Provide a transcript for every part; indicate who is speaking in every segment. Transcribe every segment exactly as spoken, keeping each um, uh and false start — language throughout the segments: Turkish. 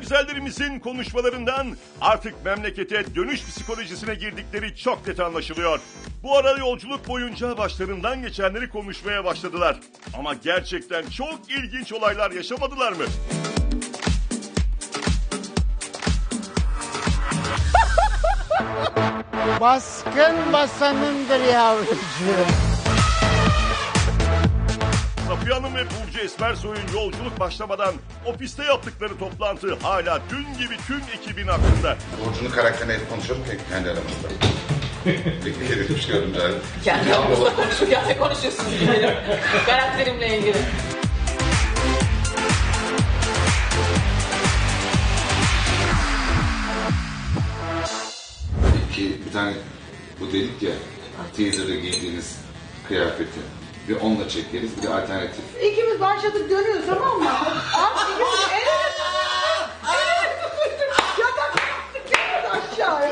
Speaker 1: güzellerimizin konuşmalarından artık memlekete dönüş psikolojisine girdikleri çok net anlaşılıyor. Bu ara yolculuk boyunca başlarından geçenleri konuşmaya başladılar. Ama gerçekten çok ilginç olaylar yaşamadılar mı?
Speaker 2: Baskın basanındır yavrucuğum.
Speaker 1: Safiye Hanım ve Burcu Esmersoy'un yolculuk başlamadan ofiste yaptıkları toplantı hala dün gibi tüm ekibin aklında.
Speaker 3: Burcu'nun karakterine hep konuşalım ki kendi aramızda. Peki edilmiş görünümler.
Speaker 4: Kendi aramızda konuşurken de konuşuyorsunuz benim karakterimle ilgili.
Speaker 3: Peki bir tane bu dedik ya teaser'da giydiğiniz kıyafeti. Bir onunla çekeriz bir de alternatif.
Speaker 5: İkimiz başladık dönüyoruz tamam mı? Abi ikimiz el ele el ele yatak yaptık aşağıya.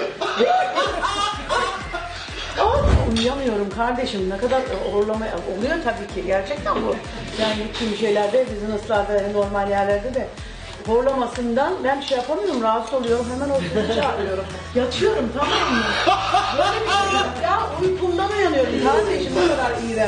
Speaker 5: Uyuyamıyorum kardeşim, ne kadar horlama oluyor tabii ki, gerçekten bu. Yani tüm şeylerde, business'larda, normal yerlerde de horlamasından ben şey yapamıyorum, rahatsız oluyorum, hemen ofise çağırıyorum. Yatıyorum tamam mı? Böyle bir şey yok ya, uykumdan uyanıyorum kardeşim, ne kadar iğrenç.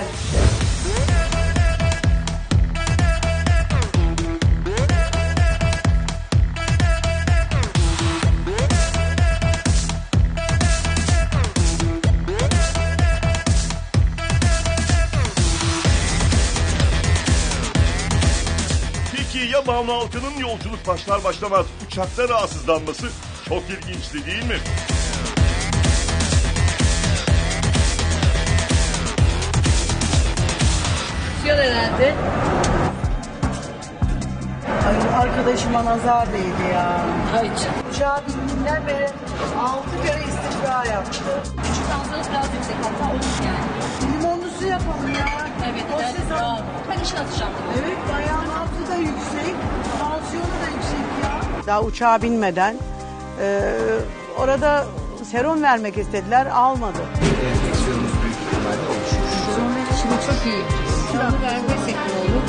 Speaker 1: Ya Banu Alkan'ın yolculuk başlar başlamaz uçakta rahatsızlanması çok ilginçti değil mi?
Speaker 5: Yol herhalde. Ay arkadaşıma nazar değdi ya.
Speaker 4: Hayır.
Speaker 5: Uçağa bindiğinden beri altı kere istifra yaptı.
Speaker 6: Tansiyonunuz biraz yüksek hatta olur yani.
Speaker 5: Limonlu su yapalım ya.
Speaker 6: Evet,
Speaker 5: O
Speaker 6: evet,
Speaker 5: ses-
Speaker 6: bravo. Ben işin atacağım.
Speaker 5: Evet, ayağın altı da yüksek, tansiyonu da yüksek ya. Daha uçağa binmeden e, orada serum vermek istediler, almadı.
Speaker 3: Enfeksiyonumuz büyük ihtimalle oluşmuş.
Speaker 6: Sonra şimdi çok iyi. Kilo vermesek ne olur?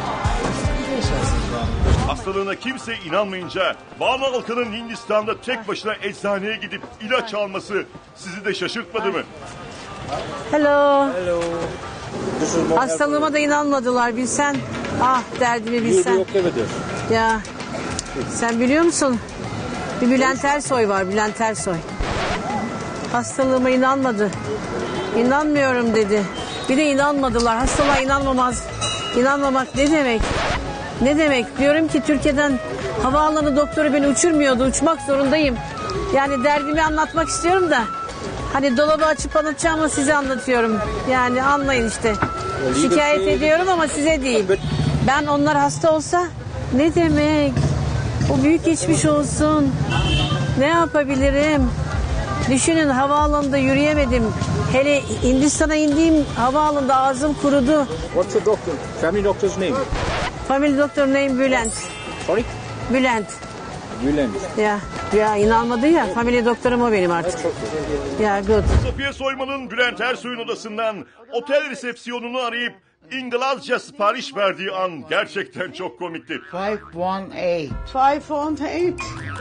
Speaker 1: Hastalığına kimse inanmayınca Banu Alkan'ın Hindistan'da tek başına eczaneye gidip ilaç alması sizi de şaşırtmadı mı?
Speaker 7: Hello. Hello. Hastalığıma da inanmadılar bilsen. Ah derdimi bilsen. Ya sen biliyor musun? Bir Bülent Ersoy var, Bülent Ersoy. Hastalığıma inanmadı. İnanmıyorum dedi. Bir de inanmadılar. Hastalığa inanmamaz. İnanmamak ne demek? Ne demek? Diyorum ki Türkiye'den havaalanı doktoru beni uçurmuyordu. Uçmak zorundayım. Yani derdimi anlatmak istiyorum da. Hani dolabı açıp anlatacağımı size anlatıyorum. Yani anlayın işte. Şikayet ediyorum ama size değil. Ben onlar hasta olsa ne demek? O büyük geçmiş olsun. Ne yapabilirim? Düşünün havaalanında yürüyemedim. Hele Hindistan'a indiğim havaalanında ağzım kurudu.
Speaker 8: What's the doctor? Family doctor's name?
Speaker 7: Family doctor name Bülent.
Speaker 8: Sorry?
Speaker 7: Bülent.
Speaker 8: Bülent.
Speaker 7: Ya, ya inanmadı ya. Family doktorum o benim artık. Ya good.
Speaker 1: Safiye Soyman'ın Bülent Ersoy'un odasından otel resepsiyonunu arayıp İngilizce sipariş verdiği an gerçekten çok komikti.
Speaker 2: five one eight.
Speaker 5: Five on eight.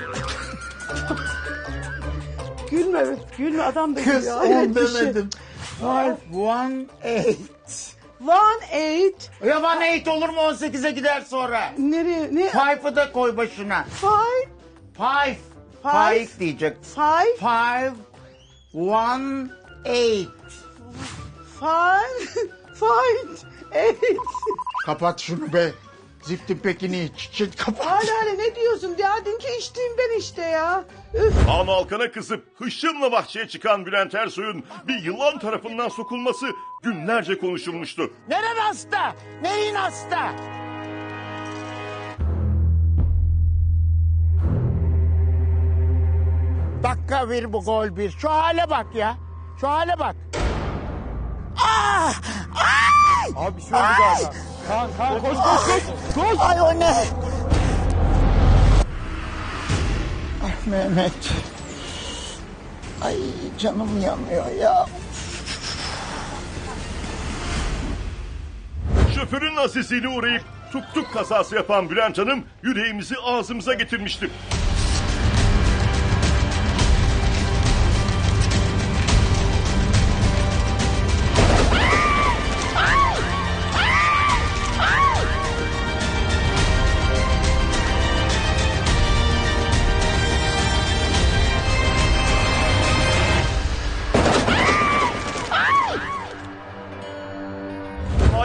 Speaker 5: Gülme, gülme adam da
Speaker 2: Kız
Speaker 5: gülüyor.
Speaker 2: on
Speaker 5: Hayret bir şey.
Speaker 2: demedim. five one eight.
Speaker 5: One eight.
Speaker 2: Ya one eight olur mu on sekize gider sonra?
Speaker 5: Nereye? Ne?
Speaker 2: Five'ı da koy başına.
Speaker 5: Five.
Speaker 2: Five.
Speaker 5: Five.
Speaker 2: Five diyecek.
Speaker 5: Five.
Speaker 2: Five one eight.
Speaker 5: Five. Five. Eight.
Speaker 2: Kapat şunu be. Ziftin pekini iç. Çıt kapat.
Speaker 5: Hala hala ne diyorsun? Derdin ki içtiğimden işte ya. Üf.
Speaker 1: Banu Alkan'a kızıp hışımla bahçeye çıkan Bülent Ersoy'un bir yılan tarafından sokulması günlerce konuşulmuştu.
Speaker 2: Neren hasta? Neyin hasta? Dakika bir bu gol bir. Şu hale bak ya. Şu hale bak. Ah! Ay!
Speaker 8: Abi bir şey oldu galiba. Kaan, Kaan koş koş koş. Koş.
Speaker 2: Ay o ne? Ah Mehmet. Ay canım yanıyor ya.
Speaker 1: Şoförün azizliğine uğrayıp tuk tuk kazası yapan Bülent Hanım yüreğimizi ağzımıza getirmişti.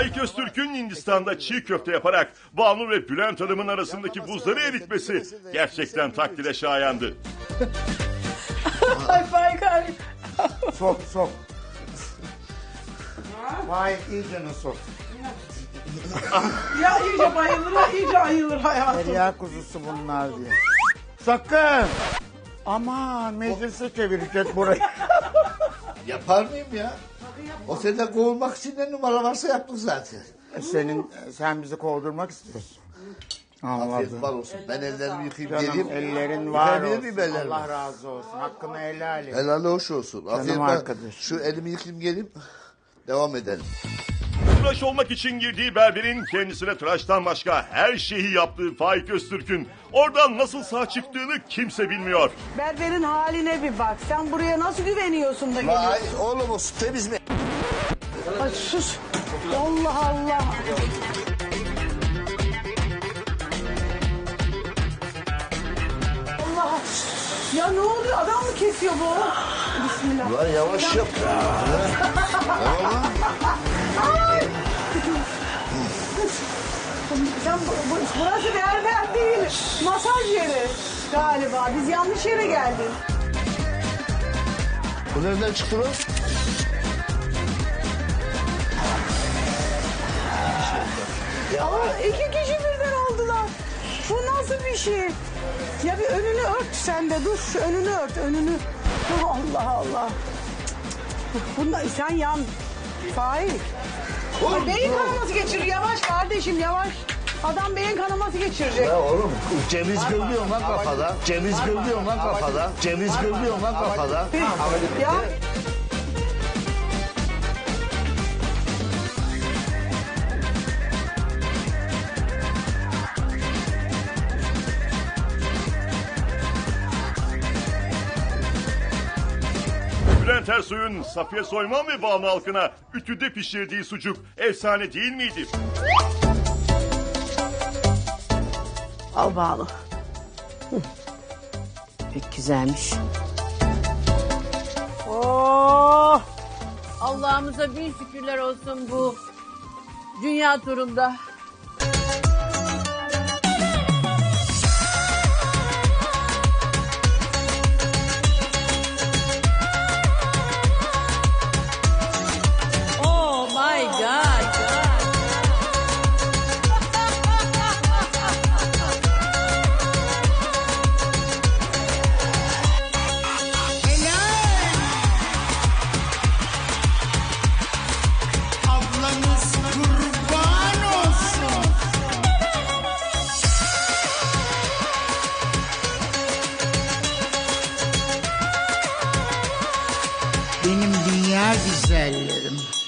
Speaker 1: Faik Öztürk'ün Hindistan'da çiğ köfte yaparak Banu ve Bülent Hanım'ın arasındaki buzları eritmesi gerçekten takdire şayandı.
Speaker 5: Ay Faik abi.
Speaker 2: Sok sok. Vay iyicene sok.
Speaker 5: Ya iyice bayılır, ha, iyice ayılır hayatım.
Speaker 2: Derya kuzusu bunlar diye. Sakın. Aman meclise çevirecek burayı.
Speaker 9: Yapar mıyım ya? O senden kovulmak için ne numara varsa yaptık zaten.
Speaker 2: Senin, sen bizi kovdurmak istiyorsun.
Speaker 9: Afiyet
Speaker 2: Anladım.
Speaker 9: var olsun. Ben ellerimi yıkayıp
Speaker 2: Canım
Speaker 9: geleyim.
Speaker 2: ellerin var
Speaker 9: Yıkayabilir
Speaker 2: olsun.
Speaker 9: miyim ellerimi?
Speaker 2: Allah razı olsun. Hakkını helal et.
Speaker 9: Helal hoş olsun. Afiyet var.
Speaker 2: arkadaş.
Speaker 9: Şu elimi yıkayayım geleyim. Devam edelim.
Speaker 1: Tıraş olmak için girdiği berberin kendisine tıraştan başka her şeyi yaptığı Faik Öztürk'ün oradan nasıl sağ çıktığını kimse bilmiyor.
Speaker 5: Berberin haline bir bak. Sen buraya nasıl güveniyorsun da geliyorsun?
Speaker 9: Vay oğlum olsun temiz mi?
Speaker 5: Ay sus. Allah Allah. Allah. Ya ne oluyor? Adam mı kesiyor bu? Bismillah.
Speaker 9: Lan yavaş yap. Tamam mı?
Speaker 5: Ay. Sen, bu, bu- burası berber değil. Masaj yeri galiba. Biz yanlış yere geldik.
Speaker 9: Bu nereden çıktı lan?
Speaker 5: Aa, iki kişi birden oldular. Bu nasıl bir şey? Ya bir önünü ört sen de dur. Şu önünü ört önünü. Oh, Allah Allah. Bunda sen yan. Faik. Ay, beyin kanaması geçir. Yavaş kardeşim yavaş. Adam beyin kanaması geçirecek.
Speaker 9: Ya oğlum ceviz gırlıyorsun lan kafada. Ceviz gırlıyorsun lan kafada. Ceviz gırlıyorsun lan kafada.
Speaker 5: Ya.
Speaker 1: Bülent Ersoy'un Safiye Soyman ve Banu halkına ütüde pişirdiği sucuk efsane değil miydi?
Speaker 7: Al Banu. Hı. Pek güzelmiş. Oh! Allah'ımıza bin şükürler olsun bu dünya turunda. Oh my God.
Speaker 2: Ablanız kurban olsun. Benim dünya güzellerim.